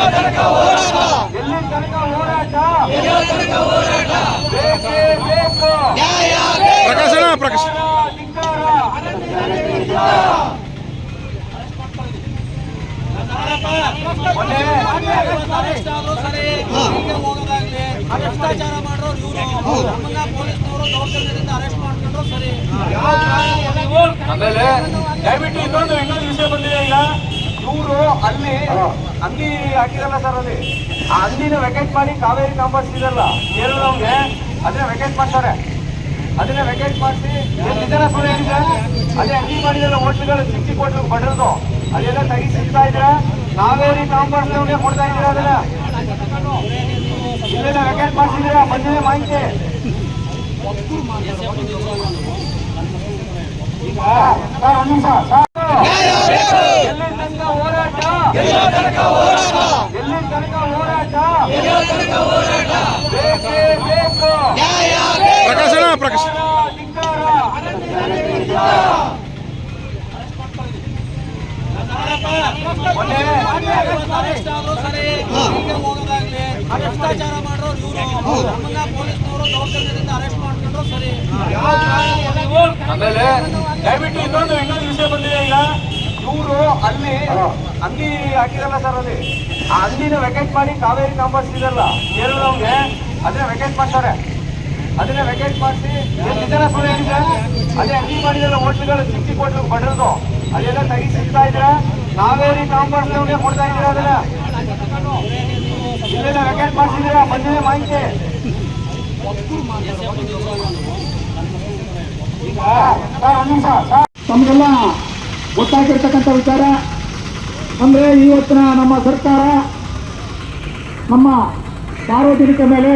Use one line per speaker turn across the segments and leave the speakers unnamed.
ಪ್ರಕಾಶನ ಪ್ರಕಾಶ
ಭ್ರಷ್ಟಾಚಾರ ಮಾಡೋರು ಇವರು ನಮ್ಮನ್ನ ಪೊಲೀಸ್ನವರು ದೌರ್ಜನ್ಯದಿಂದ ಅರೆಸ್ಟ್ ಮಾಡ್ಕೊಂಡ್ರು ಸರಿ.
ಆಮೇಲೆ ದಯವಿಟ್ಟು ಇನ್ನೊಂದು ವಿಷಯ ಬಂದಿದೆ. ಈಗ ಇವರು ಅಲ್ಲಿ ಅಂಗಡಿ ಹಾಕಿರಲ್ಲ ಸರ್, ಅಲ್ಲಿ ಆ ಅಂಗಡಿನ ವೆಕೆಟ್ ಮಾಡಿ ಕಾವೇರಿ ಕಾಂಪೌಂಡ್ ಇದೆಲ್ಲ ಕೇರಳವ್ಗೆ ಅದನ್ನ ವೆಕೆಟ್ ಮಾಡ್ತಾರೆ. ಅದನ್ನ ವೆಕೆಟ್ ಮಾಡಿಸಿ ನಿಧಾನ ಸುಳ್ಳು ಹೇಳಿದ್ರೆ ಅದೇ ಅಂಗಡಿ ಮಾಡಿದ್ರೆ ಹೋಟ್ಲುಗಳು ಚಿಕ್ಕ ಚಿಕ್ಕ ಹೋಟ್ಲು ಬಡ್ರದು ಅದೆಲ್ಲ ತೆಗಿಸಿಡ್ತಾ ಇದ್ರೆ ಕಾವೇರಿ ಕಾಂಪೌಂಡ್ ಕೊಡ್ತಾ ಇದ್ದೀರಾ. ಅದನ್ನ ಇಲ್ಲೆಲ್ಲ ವೆಕೆಟ್ ಮಾಡಿಸಿದ್ರೆ ಬಂದಿದೆ ಮಾಹಿತಿ. ಈಗ ಎಲ್ಲಿ ತನಕ ಹೋರಾಟ, ಎಲ್ಲಿ ತನಕ ಹೋರಾಟ ಬೇಕೇ ಬೇಕು.
ಪ್ರಕಾಶನ ಪ್ರಕಾಶ
ಭ್ರಷ್ಟಾಚಾರ ಮಾಡೋರು ಇವರು ನಮ್ಮನ್ನ ಪೊಲೀಸ್ನವರು ದೌರ್ಜನ್ಯದಿಂದ ಅರೆಸ್ಟ್ ಮಾಡ್ಕೊಂಡ್ರು ಸರಿ.
ಆಮೇಲೆ ದಯವಿಟ್ಟು ಇನ್ನೊಂದು ವಿಷಯ ಬಂದಿದೆ. ಈಗ ಇವರು ಅಲ್ಲಿ ಅಂಗಡಿ ಹಾಕಿರಲ್ಲ ಸರ್, ಅಲ್ಲಿ ಆ ಅಂಗಡಿನ ವೆಕೆಟ್ ಮಾಡಿ ಕಾವೇರಿ ಕಾಂಪೌಂಡ್ ಇದೆಲ್ಲ ಕೇರಳವ್ಗೆ ಅದನ್ನ ವೆಕೆಟ್ ಮಾಡ್ತಾರೆ. ಅದನ್ನ ವೆಕೆಟ್ ಮಾಡಿಸಿ ನಿಧಾನ ಸುಳ್ಳು ಹೇಳಿದ್ರೆ ಅದೇ ಅಂಗಡಿ ಮಾಡಿದ್ರೆ ಹೋಟ್ಲುಗಳು ಚಿಕ್ಕ ಚಿಕ್ಕ ಹೋಟ್ಲು ಬಡ್ರದು ಅದೆಲ್ಲ ತೆಗಿಸಿಡ್ತಾ ಇದ್ರೆ ಕಾವೇರಿ ಕಾಂಪೌಂಡ್ ಕೊಡ್ತಾ ಇದ್ದೀರಾ. ಅದನ್ನ ಇಲ್ಲೆಲ್ಲ ವೆಕೆಟ್ ಮಾಡಿಸಿದ್ರೆ ಬಂದಿದೆ ಮಾಹಿತಿ. ಈಗ
ತಮಗೆಲ್ಲ ಗೊತ್ತಾಗಿರ್ತಕ್ಕಂಥ ವಿಚಾರ ಅಂದರೆ ಇವತ್ತಿನ ನಮ್ಮ ಸರ್ಕಾರ ನಮ್ಮ ಸಾರ್ವಜನಿಕ ಮೇಲೆ,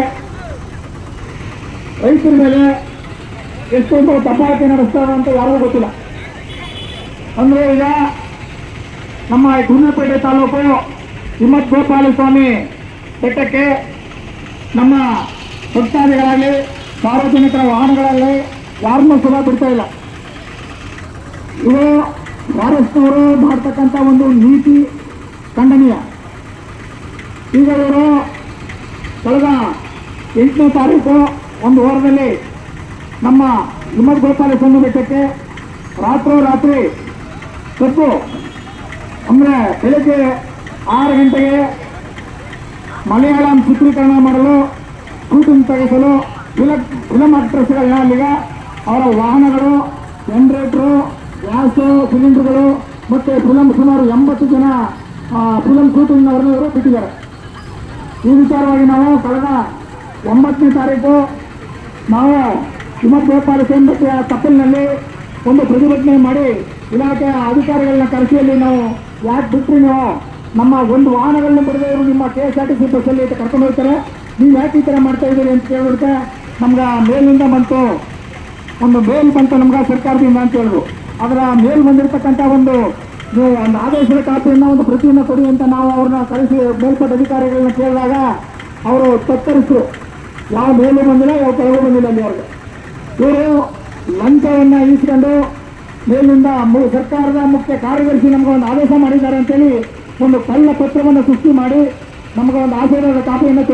ರೈತರ ಮೇಲೆ ಎಷ್ಟೊಂದು ದಬ್ಬಾಳಿಕೆ ನಡೆಸ್ತಾರೆ ಅಂತ ಯಾರಿಗೂ ಗೊತ್ತಿಲ್ಲ. ಅಂದರೆ ಈಗ ನಮ್ಮ ಗುಂಡ್ಲುಪೇಟೆ ತಾಲೂಕು ಹಿಮ್ಮತ್ ಗೋಪಾಲಸ್ವಾಮಿ ಬೆಟ್ಟಕ್ಕೆ ನಮ್ಮ ಭಕ್ತಾದಿಗಳಾಗಲಿ ಸಾರ್ವಜನಿಕರ ವಾಹನಗಳಲ್ಲಿ ಯಾರನ್ನೂ ಸುಲಭ ಬಿಡ್ತಾ ಇಲ್ಲ. ಇವು ಫಾರೆಸ್ಟ್ನವರು ಮಾಡ್ತಕ್ಕಂಥ ಒಂದು ನೀತಿ ಖಂಡನೀಯ. ಈಗ ಇವರು ಕಳೆದ 8ನೇ ತಾರೀಕು ಒಂದು ವಾರದಲ್ಲಿ ನಮ್ಮ ಹಿಮ್ಮತ್ ಗೋಪಾಲಸ್ವಾಮಿ ಬೆಟ್ಟಕ್ಕೆ ರಾತ್ರೋರಾತ್ರಿ ಕದ್ದು, ಅಂದರೆ ಬೆಳಗ್ಗೆ 6 ಗಂಟೆಗೆ ಮಲಯಾಳಂ ಚಿತ್ರೀಕರಣ ಮಾಡಲು, ಶೂಟಿಂಗ್ ತೆಗೆಸಲು ಫಿಲಂ ಆಕ್ಟ್ರೆಸ್ಗಳನ್ನ ಅಲ್ಲಿಗೆ ಅವರ ವಾಹನಗಳು, ಜನರೇಟ್ರು, ಗ್ಯಾಸು ಸಿಲಿಂಡರ್ಗಳು ಮತ್ತು ಸುಮಾರು 80 ಜನ ಫಿಲಂ ಶೂಟಿಂಗ್ನವರನ್ನು ಇವರು ಬಿಟ್ಟಿದ್ದಾರೆ. ಈ ವಿಚಾರವಾಗಿ ನಾವು ಕಳೆದ 9ನೇ ತಾರೀಕು ನಾವು ಹಿಮ್ಮತ್ ಗೋಪಾಲಸ್ವಾಮಿ ಬೆಟ್ಟೆಯ ತಪ್ಪಲಿನಲ್ಲಿ ಒಂದು ಪ್ರತಿಭಟನೆ ಮಾಡಿ ಇಲಾಖೆಯ ಅಧಿಕಾರಿಗಳನ್ನ ಕರೆಸಿಯಲ್ಲಿ ನಾವು ಯಾಕೆ ಬಿಟ್ಟರೆ ನೀವು ನಮ್ಮ ಒಂದು ವಾಹನಗಳನ್ನ ಬಿಡದೆ ಇವರು ನಿಮ್ಮ KSRTC ಬಸ್ಸಲ್ಲಿ ಕರ್ಕೊಂಡು ಹೋಗ್ತಾರೆ, ನೀವು ಯಾಕೆ ಈ ಥರ ಮಾಡ್ತಾ ಇದ್ದೀರಿ ಅಂತ ಕೇಳಿಬಿಡ್ತೆ ನಮ್ಗೆ ಮೇಲಿಂದ ಬಂತು, ಒಂದು ಮೇಲ್ ಬಂತು ನಮ್ಗೆ ಸರ್ಕಾರದಿಂದ ಅಂತ ಹೇಳಿದ್ರು. ಅದರ ಮೇಲ್ ಬಂದಿರತಕ್ಕಂಥ ಒಂದು ಆದೇಶದ ಕಾಪಿಯನ್ನು ಒಂದು ಪ್ರತಿಯನ್ನು ಕೊಡಿ ಅಂತ ನಾವು ಅವ್ರನ್ನ ಕರೆಸಿ ಮೇಲ್ಪಟ್ಟ ಅಧಿಕಾರಿಗಳನ್ನ ಕೇಳಿದಾಗ ಅವರು ತತ್ತರಿಸಿದ್ರು. ಯಾವ ಮೇಲೂ ಬಂದಿಲ್ಲ, ಯಾವ ಕೆಳಗೂ ಬಂದಿಲ್ಲ. ಅಲ್ಲಿ ಅವ್ರಿಗೆ ಇವರು ಲಂಚವನ್ನು ಇಸ್ಕೊಂಡು ಮೇಲಿಂದ ಸರ್ಕಾರದ ಮುಖ್ಯ ಕಾರ್ಯದರ್ಶಿ ನಮ್ಗೆ ಒಂದು ಆದೇಶ ಮಾಡಿದ್ದಾರೆ ಅಂತೇಳಿ ಒಂದು ಕಳ್ಳ ಪತ್ರವನ್ನು ಸೃಷ್ಟಿ ಮಾಡಿ ನಮಗೆ ಒಂದು ಆಶೀರ್ವಾದ ಕಾಪಿಯನ್ನು